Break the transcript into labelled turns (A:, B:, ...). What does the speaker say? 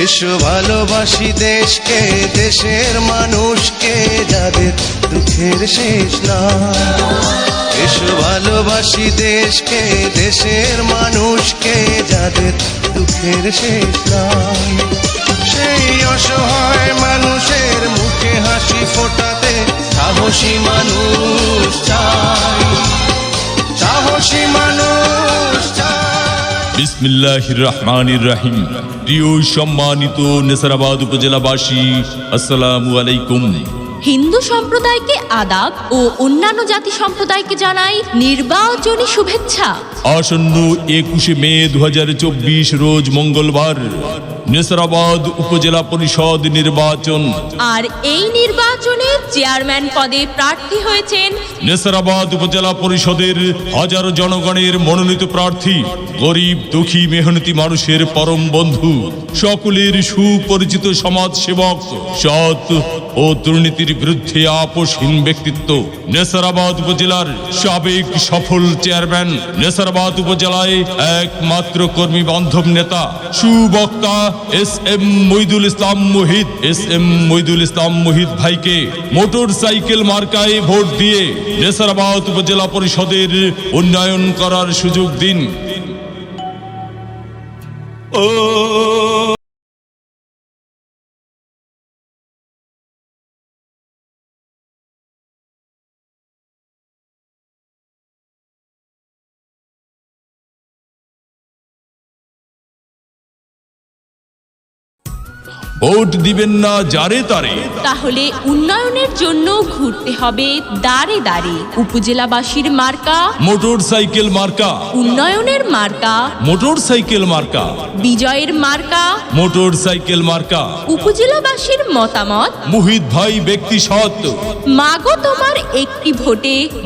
A: এসো ভালোবাসি দেশকে, দেশের মানুষকে, যাদের দুঃখের শেষ নাই। এসো ভালোবাসি দেশকে, দেশের মানুষকে, যাদের দুঃখের শেষ নাই। সেই অসহায় মানুষের মুখে হাসি ফোটাতে সাহসী মানুষ চাই, সাহসী মানুষ চাই।
B: বিসমিল্লাহির রহমানির রহিম। প্রিয় সম্মানিত নেসারাবাদ উপজেলাবাসী, আসসালামু আলাইকুম।
C: হিন্দু সম্প্রদায়কে আদাব ও অন্যান্য জাতি সম্প্রদায়কে জানাই নির্বাচনী শুভেচ্ছা।
B: আসন্ন 21শে মে 2024 রোজ মঙ্গলবার নেসারাবাদ উপজেলা পরিষদ নির্বাচন।
C: আর এই নির্বাচনে চেয়ারম্যান পদে প্রার্থী হয়েছেন
B: নেসারাবাদ উপজেলা পরিষদের হাজারো জনগণের মনোনীত প্রার্থী, গরিব দুঃখী মেহনতি মানুষের পরম বন্ধু, সকলের সুপরিচিত সমাজ সেবক, সৎ ও দুর্নীতির বিরুদ্ধে আপোষহীন ব্যক্তিত্ব, নেসারাবাদ উপজেলার সাবেক সফল চেয়ারম্যান, নেসারাবাদ উপজেলায় একমাত্র কর্মী বান্ধব নেতা, সুবক্তা এস.এম. মইদুল ইসলাম মুহিত। এস.এম. মইদুল ইসলাম মুহিত ভাইকে মোটর সাইকেল মার্কায় ভোট দিয়ে নেসারাবাদ উপজেলা পরিষদের উন্নয়ন করার সুযোগ দিন। ভোট দিবেন না যারে তারে,
C: তাহলে উন্নয়নের জন্য ঘুরতে হবে দাঁড়ে দাঁড়ে। উপজেলাবাসীর মার্কা
B: মোটর সাইকেল মার্কা,
C: উন্নয়নের মার্কা,
B: মোটর সাইকেল মার্কা,
C: বিজয়ের মার্কা,
B: মোটর সাইকেল মার্কা।
C: উপজেলাবাসীর মতামত
B: মুহিত ভাই ব্যক্তি সৎ,
C: মাগো তোমার একটি ভোটে